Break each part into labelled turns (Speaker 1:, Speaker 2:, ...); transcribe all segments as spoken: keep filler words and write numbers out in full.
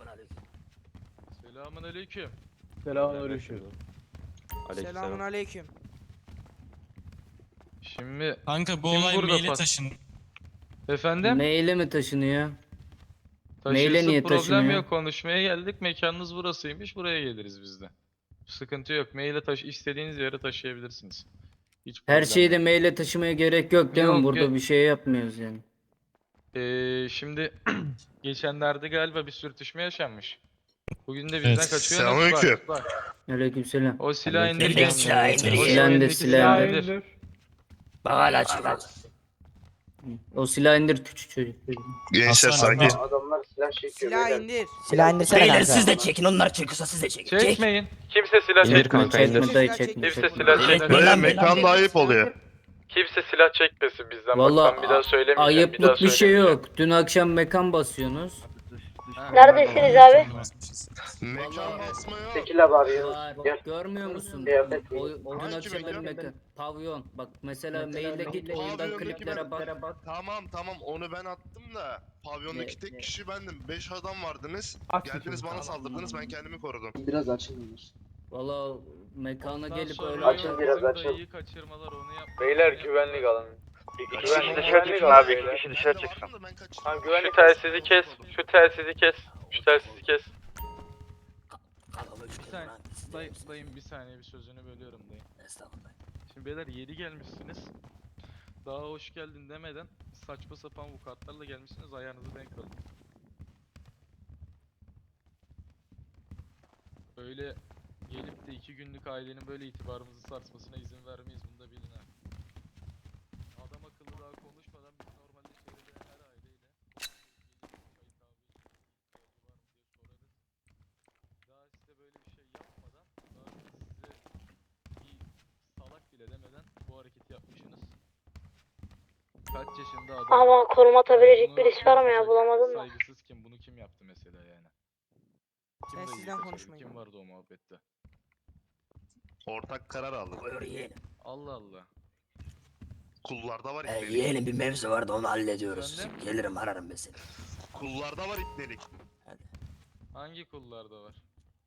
Speaker 1: Selamun aleyküm.
Speaker 2: Selamun aleyküm.
Speaker 3: Selamun aleyküm.
Speaker 1: Şimdi
Speaker 4: Kanka bu
Speaker 1: Kim
Speaker 4: olay
Speaker 1: burada
Speaker 4: maile
Speaker 1: pas-
Speaker 4: taşın.
Speaker 1: efendim
Speaker 5: Maile mi taşınıyor? maile
Speaker 1: taşıyorsa
Speaker 5: niye
Speaker 1: problem
Speaker 5: taşınıyor?
Speaker 1: yok, konuşmaya geldik, mekanınız burasıymış, buraya geliriz biz de. Sıkıntı yok, maile taşı istediğiniz yere taşıyabilirsiniz. Hiç
Speaker 5: Her
Speaker 1: problem
Speaker 5: şeyi de
Speaker 1: yok.
Speaker 5: maile taşımaya gerek yok değil mi?
Speaker 1: Yok,
Speaker 5: Burada
Speaker 1: yok.
Speaker 5: bir şey yapmıyoruz yani.
Speaker 1: Ee, şimdi geçenlerde galiba bir sürtüşme yaşanmış. Bugün de bizden
Speaker 4: Evet.
Speaker 1: kaçıyorsunuz.
Speaker 6: Selamünaleyküm.
Speaker 1: Bak, bak.
Speaker 5: Aleykümselam.
Speaker 1: O silahı indir.
Speaker 4: Aleyküm
Speaker 1: O
Speaker 4: selam.
Speaker 1: silahı
Speaker 4: Silah
Speaker 1: indir.
Speaker 5: indir, silah
Speaker 1: indir.
Speaker 3: Bak hala çıkar.
Speaker 5: O silah indir küçük çocuk.
Speaker 6: Gençler
Speaker 4: Hasan
Speaker 6: sakin.
Speaker 4: abi.
Speaker 2: Adamlar silah çekiyor.
Speaker 3: Silah indir.
Speaker 7: Silah indirsene
Speaker 3: Beyler
Speaker 7: kanka.
Speaker 3: siz de çekin, onlar çekiyorsa siz de çekin. Çek.
Speaker 1: Çekmeyin. Kimse silah
Speaker 5: Çekme
Speaker 1: çekmesin.
Speaker 5: çekme dayı
Speaker 3: Silah
Speaker 5: çekme.
Speaker 1: Kimse
Speaker 5: çekme.
Speaker 1: silah çekmesin.
Speaker 6: Böyle
Speaker 3: Lan,
Speaker 6: mekanda
Speaker 3: lan.
Speaker 6: ayıp oluyor.
Speaker 1: Kimse silah çekmesin bizden.
Speaker 5: Valla
Speaker 1: Bak ben bir daha söylemeyeceğim. bir daha
Speaker 5: ayıplık bir şey
Speaker 1: söylemeyeceğim.
Speaker 5: yok. Dün akşam mekan basıyorsunuz.
Speaker 8: Neredesiniz abi?
Speaker 6: Mekan basmaya.
Speaker 2: Tekil abi abi.
Speaker 5: Var,
Speaker 2: Gel.
Speaker 5: görmüyor musun?
Speaker 2: Kıyafet
Speaker 5: O,
Speaker 2: giy.
Speaker 5: o dün
Speaker 6: Hangi
Speaker 5: akşam benim
Speaker 6: mekan?
Speaker 5: mekan. Pavyon. Bak mesela maille git oyundan
Speaker 6: Pavyondaki
Speaker 5: kliplere
Speaker 6: ben-
Speaker 5: bak.
Speaker 6: Tamam tamam onu ben attım da pavyondaki
Speaker 5: Ne-
Speaker 6: tek
Speaker 5: ne?
Speaker 6: kişi bendim. Beş adam vardınız.
Speaker 2: Aç
Speaker 6: Geldiniz
Speaker 2: sesini.
Speaker 6: bana saldırdınız, ben kendimi korudum.
Speaker 2: Biraz açılmış.
Speaker 5: Valla mekana
Speaker 1: Ondan
Speaker 5: gelip
Speaker 1: sonra
Speaker 5: öyle
Speaker 2: Açın biraz,
Speaker 1: bizim
Speaker 2: açın.
Speaker 1: dayıyı kaçırmalar, onu yap.
Speaker 9: Beyler güvenlik alın.
Speaker 6: Kaçın
Speaker 9: Güvenlik
Speaker 6: ama
Speaker 9: dışarı
Speaker 6: ben-
Speaker 9: çıksın abi,
Speaker 6: Ben
Speaker 9: iki kişi
Speaker 6: de
Speaker 9: dışarı
Speaker 6: vardım
Speaker 9: çıksın.
Speaker 6: da ben kaçırdım.
Speaker 9: Tamam,
Speaker 1: Şu
Speaker 9: güvenlik
Speaker 1: telsizi kes. Şu telsizi kes. Şu telsizi kes.
Speaker 3: Kafamı
Speaker 1: Bir
Speaker 3: üşüdüm
Speaker 1: saniye.
Speaker 3: lan. Siz de-
Speaker 1: Dayı, dayım bir saniye, bir sözünü bölüyorum dayı.
Speaker 3: Estağfurullah.
Speaker 1: Şimdi beyler yeni gelmişsiniz. Daha hoş geldin demeden saçma sapan vukuatlarla gelmişsiniz, ayağınızı denk alın. Öyle gelip de iki günlük ailenin böyle itibarımızı sarsmasına izin vermeyiz, bunu da bilin ha. Adam akıllı daha konuşmadan biz normalde çevrede her aileyle gelip çay kahve ihtiyacı var mı diye sorarız. Daha size böyle bir şey yapmadan, daha size bir salak bile demeden bu hareketi yapmışsınız. Kaç yaşında adam?
Speaker 8: Ama konum atabilecek
Speaker 1: Bunu
Speaker 8: birisi var mı ya,
Speaker 1: yapacak
Speaker 8: bulamadım da.
Speaker 1: Saygısız kim? Bunu kim yaptı mesela yani? Kim
Speaker 3: Sen
Speaker 1: dayıyı
Speaker 3: sizden
Speaker 1: kaçırdı?
Speaker 3: konuşmayın.
Speaker 1: Kim vardı o muhabbette?
Speaker 6: Ortak karar aldık.
Speaker 3: Buyur yeğenim.
Speaker 1: Allah Allah.
Speaker 6: Kullarda var
Speaker 3: Ee,
Speaker 6: ipnelik.
Speaker 3: yeğenim bir mevzu vardı, onu hallediyoruz.
Speaker 1: Efendim?
Speaker 3: Gelirim, ararım ben seni.
Speaker 6: Kullarda var ipnelik.
Speaker 1: Hangi kullarda var?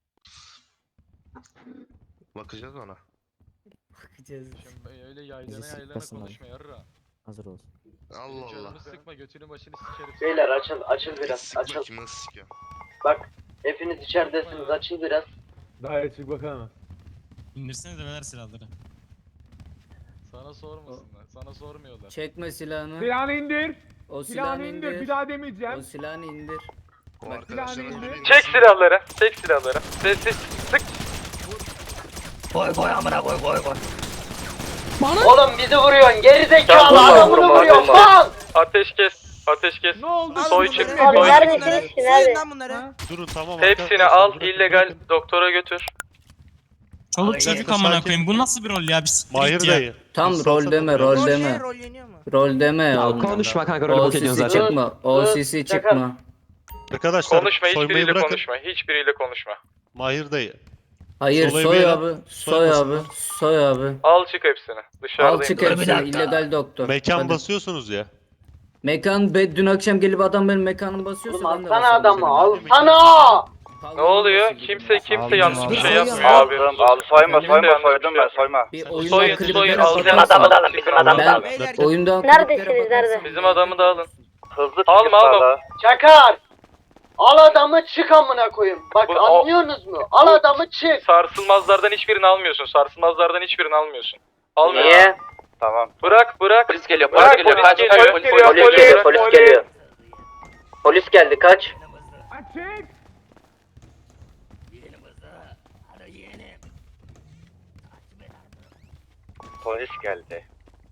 Speaker 6: Bakacağız ona.
Speaker 5: Bakacağız.
Speaker 1: Şimdi öyle yaylana
Speaker 7: Bizi
Speaker 1: yaylana
Speaker 7: sıkmasın
Speaker 1: konuşma yarra.
Speaker 7: Hazır olsun.
Speaker 6: Allah Allah.
Speaker 1: Canımı sıkma, götünü başını sikerim.
Speaker 2: Beyler açıl, açıl biraz.
Speaker 6: Sık
Speaker 2: Açıl.
Speaker 6: bakayım nasıl sikiyor.
Speaker 2: Bak. Hepiniz içeridesiniz. Açıl biraz. Daha çık bakalım.
Speaker 4: İndirsene de ver silahları.
Speaker 1: Sana sormasınlar. Sana sormuyorlar.
Speaker 5: Çekme silahını.
Speaker 2: Silahını indir.
Speaker 5: O silahını
Speaker 2: Silahını indir. Bir
Speaker 5: indir.
Speaker 2: daha
Speaker 5: O
Speaker 2: demeyeceğim.
Speaker 5: silahını indir.
Speaker 6: O
Speaker 2: Bak,
Speaker 6: arkadaşlara
Speaker 2: silahını
Speaker 6: söyleyin.
Speaker 2: indir.
Speaker 1: Çek silahları. Çek silahları. Sessiz. Sık.
Speaker 3: Koy koy amına koy koy koy.
Speaker 2: Oğlum bizi vuruyorsun. Geri zekalı
Speaker 1: Vurma,
Speaker 2: adamını
Speaker 1: vurma,
Speaker 2: vuruyorsun.
Speaker 1: vurma.
Speaker 2: Mal.
Speaker 1: Ateş kes. Ateş kes.
Speaker 2: Ne oldu?
Speaker 3: Alın
Speaker 1: Soy
Speaker 3: bunları.
Speaker 1: çık,
Speaker 3: Abi
Speaker 1: soy
Speaker 3: neredesiniz
Speaker 8: çık.
Speaker 3: ki?
Speaker 8: Nerede?
Speaker 3: Soyun lan bunları.
Speaker 2: Ha?
Speaker 10: Durun tamam.
Speaker 1: Hepsini
Speaker 10: arkadaşlar,
Speaker 1: al,
Speaker 10: bırakın,
Speaker 1: illegal
Speaker 10: bırakın.
Speaker 1: doktora götür.
Speaker 4: Çoluk
Speaker 3: Ay,
Speaker 4: çocuk
Speaker 10: sakin.
Speaker 4: amına koyayım. Bu nasıl bir rol ya? Bir siktir
Speaker 10: Mahir
Speaker 4: git ya.
Speaker 10: dayı.
Speaker 5: Tam
Speaker 10: bir
Speaker 5: rol
Speaker 10: salsana
Speaker 5: deme,
Speaker 10: biraz.
Speaker 5: rol
Speaker 3: Rol
Speaker 5: deme.
Speaker 3: ne? Rol yeniyor mu?
Speaker 5: Rol deme ya.
Speaker 7: Konuşma kanka rolü
Speaker 5: O
Speaker 7: bok ediyorsun
Speaker 5: sisi
Speaker 7: zaten.
Speaker 5: çıkma. O sisi çıkma.
Speaker 10: Arkadaşlar
Speaker 1: Konuşma,
Speaker 10: soymayı
Speaker 1: hiçbiriyle
Speaker 10: bırakın.
Speaker 1: konuşma. Hiçbiriyle konuşma.
Speaker 10: Mahir dayı.
Speaker 5: Hayır
Speaker 10: Solayı
Speaker 5: soy
Speaker 10: beyler,
Speaker 5: abi. Soy abi.
Speaker 10: soymasınlar.
Speaker 5: Soy abi.
Speaker 1: Al çık hepsini.
Speaker 5: Al
Speaker 1: Dışarıdayım.
Speaker 5: çık
Speaker 3: Dur bir
Speaker 5: hepsini.
Speaker 3: dakika.
Speaker 5: illegal doktor.
Speaker 10: Mekan
Speaker 5: Hadi.
Speaker 10: basıyorsunuz ya.
Speaker 5: Mekan be, dün akşam gelip adam benim mekanımı basıyorsa
Speaker 2: Oğlum
Speaker 5: ben de
Speaker 2: alsana
Speaker 5: basarım
Speaker 2: adamı.
Speaker 5: senin.
Speaker 2: Alsana.
Speaker 1: Ne oluyor? Kimse kimse yanlış bir şey yapmıyor.
Speaker 9: Abi,
Speaker 1: Abi,
Speaker 9: abi soyma
Speaker 1: Kimse
Speaker 9: soyma
Speaker 1: yanlış bir
Speaker 9: soydum
Speaker 1: şey
Speaker 9: ben soyma.
Speaker 5: Bir
Speaker 1: Soyun,
Speaker 5: oyundan
Speaker 1: soyun,
Speaker 5: kliplere
Speaker 1: al.
Speaker 3: Bizim
Speaker 5: bakarsan-
Speaker 3: adamı da alın, bizim adamı da
Speaker 5: Ben-
Speaker 3: alın.
Speaker 4: Beyler
Speaker 5: Oyundan
Speaker 8: Neredesiniz,
Speaker 5: kliplere
Speaker 8: nerede?
Speaker 5: bakarsan-
Speaker 1: Bizim adamı da alın.
Speaker 9: Hızlı
Speaker 1: Alma,
Speaker 9: çıkıp
Speaker 1: alma.
Speaker 9: sağla.
Speaker 2: Çakar. Al adamı çık amına koyayım. Bak
Speaker 1: Bu- o-
Speaker 2: anlıyorsunuz mu? Al adamı çık.
Speaker 1: Sarsılmazlardan hiçbirini almıyorsun. Sarsılmazlardan hiçbirini almıyorsun. Almıyor.
Speaker 9: Niye? Tamam.
Speaker 1: Bırak bırak.
Speaker 9: Polis geliyor,
Speaker 1: Bırak,
Speaker 9: polis geliyor.
Speaker 1: polis
Speaker 9: Kaç,
Speaker 1: geliyor,
Speaker 9: kaç,
Speaker 1: polis
Speaker 9: polis
Speaker 1: geliyor,
Speaker 9: geliyor,
Speaker 1: polis
Speaker 9: polis
Speaker 1: geliyor.
Speaker 9: geliyor. Polis geldi, kaç.
Speaker 2: Açık.
Speaker 3: Yeğenim hızlı. Hadi yeğenim. Hadi be lan.
Speaker 9: Polis geldi.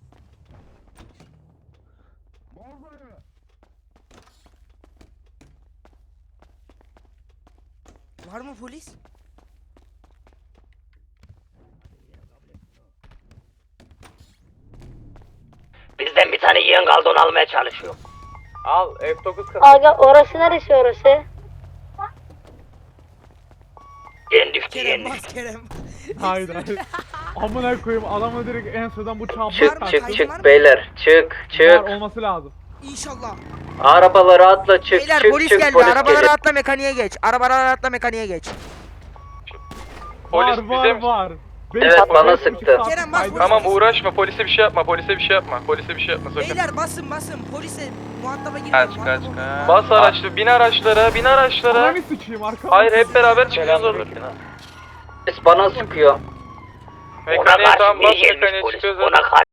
Speaker 3: Var mı polis? Bizden bir tane yeğen kaldı, onu almaya çalışıyor.
Speaker 9: Al F dokuz kasa.
Speaker 8: Aga orası neresi orası?
Speaker 3: Yeğen düştü
Speaker 7: Kerem
Speaker 3: yeğen.
Speaker 7: bas Kerem.
Speaker 2: Hayır hayır. Amına koyayım adamı direkt en sıradan bu çabuk
Speaker 3: Çık,
Speaker 2: tak.
Speaker 3: çık, çık,
Speaker 2: Var
Speaker 3: beyler,
Speaker 9: çık
Speaker 2: olması lazım.
Speaker 3: İnşallah.
Speaker 2: Arabalara atla çık
Speaker 3: Beyler
Speaker 2: çık
Speaker 3: polis
Speaker 2: çık
Speaker 3: geldi.
Speaker 2: polis
Speaker 3: Arabalara
Speaker 2: geliyor.
Speaker 3: atla mekaniğe geç. Arabalara atla mekaniğe geç.
Speaker 1: Polis bize
Speaker 7: var.
Speaker 2: Evet bana sıktı.
Speaker 3: Kerem bas polise.
Speaker 1: Tamam uğraşma polise bir şey yapma polise bir şey yapma polise bir şey yapma sakın.
Speaker 3: Beyler basın basın. Polise muhataba girmeyin.
Speaker 9: Kaç
Speaker 3: muhataba
Speaker 9: kaç
Speaker 3: olmayın.
Speaker 9: kaç.
Speaker 1: Bas araçlı bin araçlara bin araçlara.
Speaker 7: sıçayım arka.
Speaker 1: Hayır hep beraber çıkıyoruz orada.
Speaker 2: Polis bana sıkıyor.
Speaker 1: Mekaniğe tamam bas mekaniğe çıkıyoruz.